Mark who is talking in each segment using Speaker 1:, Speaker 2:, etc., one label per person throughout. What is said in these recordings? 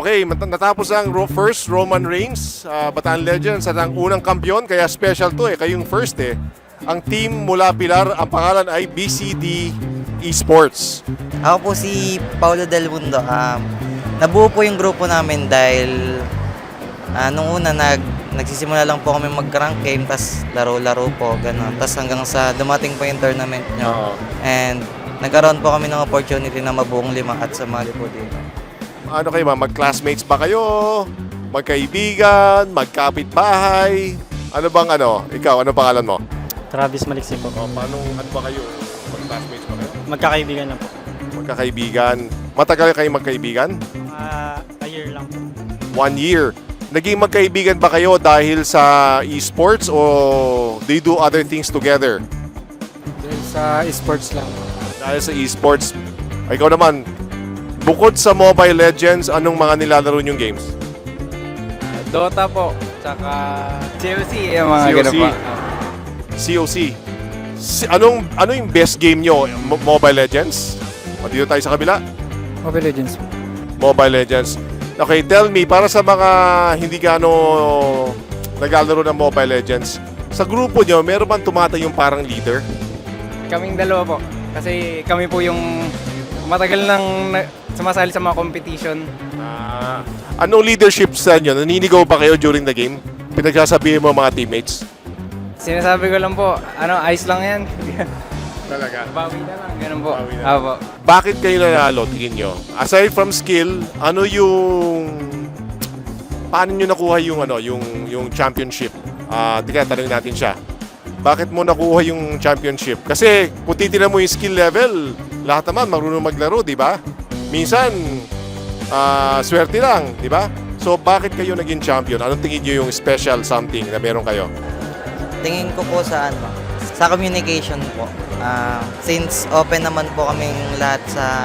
Speaker 1: Okay, natapos ang first Roman Reigns, Bataan Legends at ang unang kampiyon, kaya special to kayong first Ang team mula Pilar, ang pangalan ay BCD Esports.
Speaker 2: Ako po si Paulo Del Mundo. Nabuo po yung grupo namin dahil nung una nagsisimula lang po kami mag-rank game, tas laro-laro po, gano'n. Tas hanggang sa dumating po yung tournament nyo. And nagkaroon po kami ng opportunity na mabuong 5 at sumali po dito.
Speaker 1: Ano kayo mag-classmates ba kayo? Magkaibigan? Magkapitbahay? Ano bang Ikaw, ano pangalan mo?
Speaker 3: Travis Maliksi po.
Speaker 1: Paano, ano ba kayo? Mag-classmates ba kayo?
Speaker 3: Magkakaibigan na po.
Speaker 1: Magkakaibigan. Matagal kayo magkaibigan?
Speaker 3: A year lang po.
Speaker 1: 1 year. Naging magkaibigan ba kayo dahil sa esports o they do other things together?
Speaker 4: Dahil sa esports lang.
Speaker 1: Dahil sa esports. Ikaw naman, bukod sa Mobile Legends, anong mga nilalaro yung games?
Speaker 4: Dota po, tsaka COC, yung mga
Speaker 1: COC.
Speaker 4: ganun pa.
Speaker 1: COC. Ano yung best game nyo? Mobile Legends? O dito tayo sa kabila?
Speaker 4: Mobile Legends po.
Speaker 1: Mobile Legends. Okay, tell me, para sa mga hindi gaano naglalaro ng Mobile Legends, sa grupo nyo, meron bang tumatayong parang leader?
Speaker 4: Kaming dalawa po. Kasi kami po yung matagal nang sumasali sa mga competition.
Speaker 1: Anong leadership sa inyo? Naninigaw ba kayo during the game? Pinagsasabihin mo mga teammates?
Speaker 4: Sinasabi ko lang po, ayos lang yan.
Speaker 1: Talaga?
Speaker 4: Bawi na lang, ganun po.
Speaker 1: Bawi na.
Speaker 4: Apo.
Speaker 1: Bakit kayo nanalo, tingin nyo? Aside from skill, ano yung... Paano nyo nakuha yung championship? Tika, tanongin natin siya. Bakit mo nakuha yung championship? Kasi kung titignan mo yung skill level, lahat naman marunong maglaro, di ba? Minsan, swerte lang, di ba? So, bakit kayo naging champion? Anong tingin nyo yung special something na meron kayo?
Speaker 2: Tingin ko po sa sa communication po. Since open naman po kaming lahat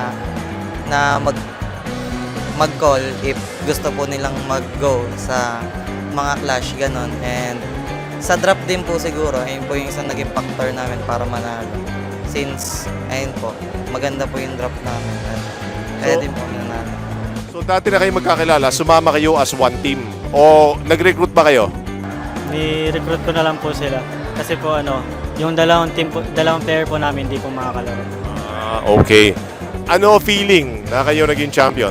Speaker 2: na mag-call if gusto po nilang mag-go sa mga clash, ganon. And sa drop din po siguro, ayun po yung isang naging factor namin para manalo. Since, ayun po, maganda po yung drop namin. At kaya din po nanalo.
Speaker 1: So, dati na kayo magkakilala, sumama kayo as one team. O nag-recruit ba kayo?
Speaker 3: Ni-recruit ko na lang po sila. Kasi po yung dalawang player po namin hindi po makakalaro.
Speaker 1: Okay. Ano feeling na kayo naging champion?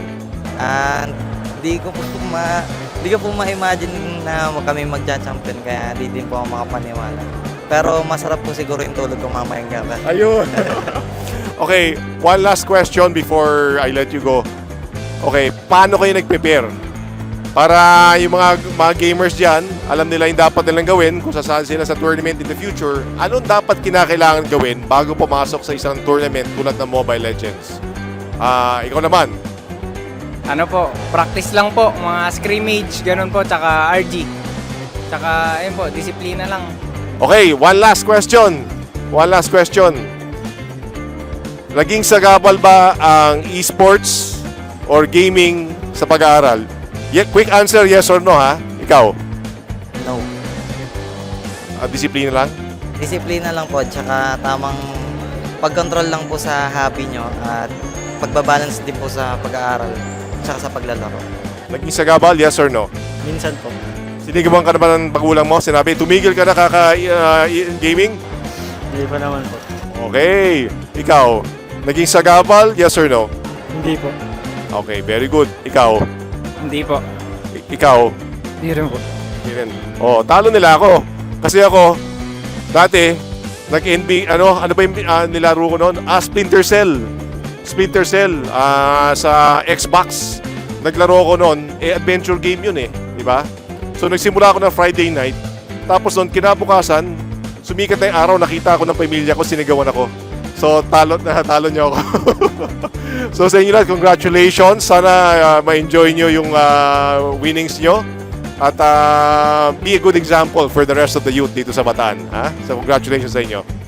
Speaker 2: Di ko po ma-imagine na kami magja-champion, kaya di din po ako makapaniwala. Pero masarap po siguro yung tulog ko mamayang gabi.
Speaker 1: Ayun. Okay, one last question before I let you go. Okay, paano kayo nag-prepare? Para yung mga gamers dyan, alam nila yung dapat nilang gawin kung sasali sila sa tournament in the future. Anong dapat kinakailangan gawin bago pumasok sa isang tournament tulad ng Mobile Legends? Ikaw naman.
Speaker 4: Practice lang po, mga scrimmage, ganun po, tsaka RG. Tsaka, ayun po, disiplina lang.
Speaker 1: Okay, one last question. Naging sagabal ba ang esports or gaming sa pag-aaral? Quick answer, yes or no ha? Ikaw?
Speaker 2: No.
Speaker 1: Disiplina lang?
Speaker 2: Disiplina lang po, tsaka tamang pag-control lang po sa hobby nyo at pagbabalance din po sa pag-aaral tsaka sa paglalaro.
Speaker 1: Naging sagabal, yes or no?
Speaker 3: Minsan po.
Speaker 1: Sinigawan ka naman ng pagulang mo? Sinabi, tumigil ka na gaming?
Speaker 3: Hindi pa naman po.
Speaker 1: Okay. Ikaw, naging sagabal, yes or no?
Speaker 3: Hindi po.
Speaker 1: Okay, very good. Ikaw?
Speaker 4: Hindi po.
Speaker 1: Ikaw?
Speaker 4: Hindi rin po.
Speaker 1: Hindi rin. Talo nila ako. Kasi ako, dati, nag-NBA, ano ba yung nilaro ko noon? Splinter Cell. Sa Xbox. Naglaro ko noon, adventure game yun di ba? So nagsimula ako ng Friday night, tapos noon kinabukasan, sumikat na yung araw, nakita ako ng pamilya ko, sinigawan ako. So talo niyo ako. So sa inyo lahat, congratulations. Sana ma-enjoy nyo yung winnings nyo. At be a good example for the rest of the youth dito sa Bataan. So congratulations sa inyo.